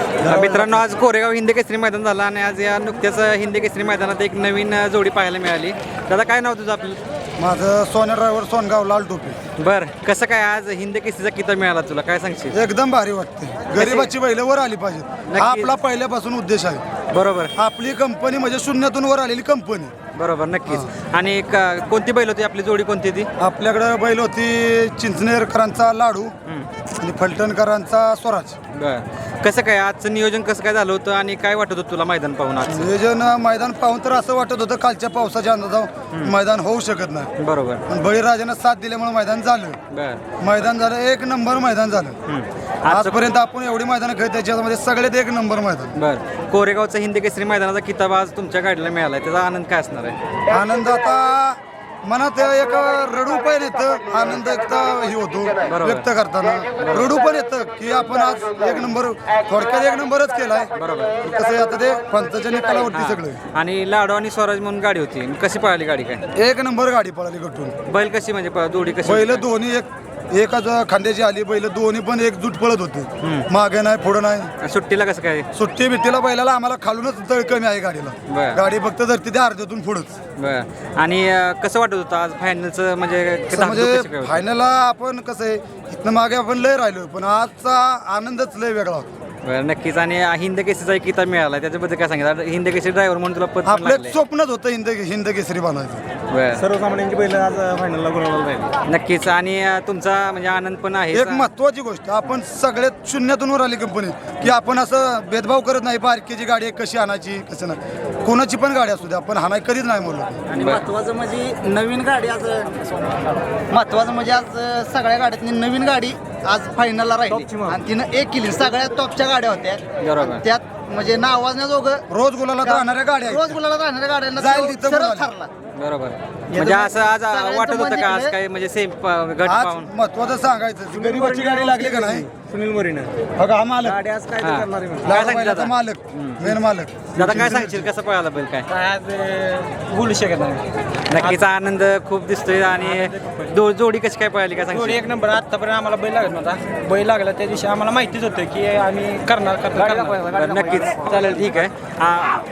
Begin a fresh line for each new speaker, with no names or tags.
मित्रांनो, आज कोरेगाव हिंदी केसरी मैदान झालं आणि आज या नुकत्याच हिंदी केसरी मैदानात एक नवीन जोडी पाहायला मिळाली. दादा, काय नाव तुझं आपलं?
माझं सोन्या ड्रायव्हर सोनगाव लाल टोपी.
बरं, कसं काय आज हिंदी केसरीचा किताब मिळाला तुला, काय सांगशील?
एकदम भारी वाटते. गरिबाची बैल वर आली पाहिजेत,
नक्की.
हा आपला पहिल्यापासून उद्देश आहे.
बरोबर
आपली कंपनी म्हणजे शून्यातून वर आलेली कंपनी.
बरोबर, नक्कीच. आणि कोणती बैल होती आपली, जोडी कोणती ती?
आपल्याकडे बैल होती चिंचनेरकरांचा लाडू आणि फलटणकरांचा स्वराज.
बरं, कसं काय आजचं नियोजन कसं काय झालं होतं आणि काय वाटत होतं तुला मैदान पाहून आज?
नियोजन मैदान पाहून तर असं वाटत होतं कालच्या पावसाच्या अंदाजावर मैदान होऊ शकत नाही,
बरोबर.
पण बळीराजानं साथ दिल्यामुळे मैदान झालं.
बरं.
मैदान झालं, एक नंबर मैदान झालं. आजपर्यंत आपण एवढी मैदान खेळत त्याच्यामध्ये सगळ्यात एक नंबर मैदान.
बरं, कोरेगावचं हिंदी केसरी मैदानाचा किताब आज तुमच्या गाडीला मिळाला, त्याचा आनंद काय असणार आहे?
आनंद आता मनात एक रडू पण येतं, आनंद एक हे होतो व्यक्त करताना. रडू पण येतं की आपण आज एक नंबर, थोडक्यात एक नंबरच केलाय.
बरोबर.
कसं आहे आता ते पंचाच्या निकालावरती सगळं.
आणि लाडू आणि स्वराज म्हणून गाडी होती, कशी पळाली गाडी, काय
एक नंबर गाडी पळाली गटून.
बैल कशी म्हणजे जोडी कशी?
बैल दोन्ही एकाच खांद्याची आली. बैल दोन्ही पण एकजूट पळत होते, मागे नाही पुढं नाही.
सुट्टीला कसं काय?
सुट्टी बिट्टीला बैलाला आम्हाला खालूनच तळ कमी आहे गाडीला.
बरं.
गाडी फक्त धरती त्या अर्ध्यातून पुढंच.
बरं. आणि कसं वाटत होतं आज फायनलचं, म्हणजे
म्हणजे
कशी काय होती?
फायनलला आपण कसं आहे इथनं मागे आपण लय राहिलो, पण आजचा आनंदच लय वेगळा होता.
बरं, नक्कीच. आणि हिंद केसरीचा एक किताब मिळाला, त्याच्याबद्दल काय सांगितलं? हिंद केसरी ड्रायव्हर म्हणून तुला पद पण
आपलं
लागलंय.
एक स्वप्नच होतं हिंद केसरी बनायचं.
बरं,
सर्वसामान्यांची बैल आज फायनलला गुलाबाला राहिली.
नक्कीच. आणि तुमचा म्हणजे आनंद पण आहे.
एक महत्वाची गोष्ट, आपण सगळ्यात शून्यातून वर आली कंपनी की आपण असं भेदभाव करत नाही. बारकीची गाडी आहे कशी आणायची कसं नाही, कोणाची पण गाडी असू दे आपण हाणाय कधीच नाही म्हणलो.
आणि महत्वाचं म्हणजे नवीन गाडी आज, महत्वाचं म्हणजे आज सगळ्या गाड्यातनी नवीन गाडी आज फायनलला राहिली आणि तिनं एक केली. सगळ्यात टॉपच्या गाड्या होत्या.
बरोबर.
आणि त्यात म्हणजे नावाजण्याजोगं
रोज गुलाला राहणाऱ्या गाड्या
रोज गुलाला राहणाऱ्या गाड्यांना
जाईल तिथं
सरळ
गुलाल.
ठरला.
बरोबर. म्हणजे असं आज वाटत होतं का आज काय म्हणजे सेम गट
आज
पाहून?
महत्वाचं सांगायचं, गरीबाची गाडी लागली का नाही.
सुनील मोरीनं
बघा हा मालक,
गाडी आज काय
हा.
करणार आहे म्हणून.
काय
लाडू
सांगितलं
बैलाचा
आता?
मालक, मेन मालक.
दादा, काय सांगशील कसं पळाला बैल, काय?
आज बोलू शकत नाही.
नक्कीच आनंद खूप दिसतोय. आणि जोडी कशी काय पळाली, काय
जोडी
सांगशील?
एक नंबर. आतापर्यंत आम्हाला बैल लागत नव्हता, बैल लागला त्या दिवशी आम्हाला माहितीच होतं की आम्ही करणार.
बरं, नक्कीच. चालेल, ठीक आहे.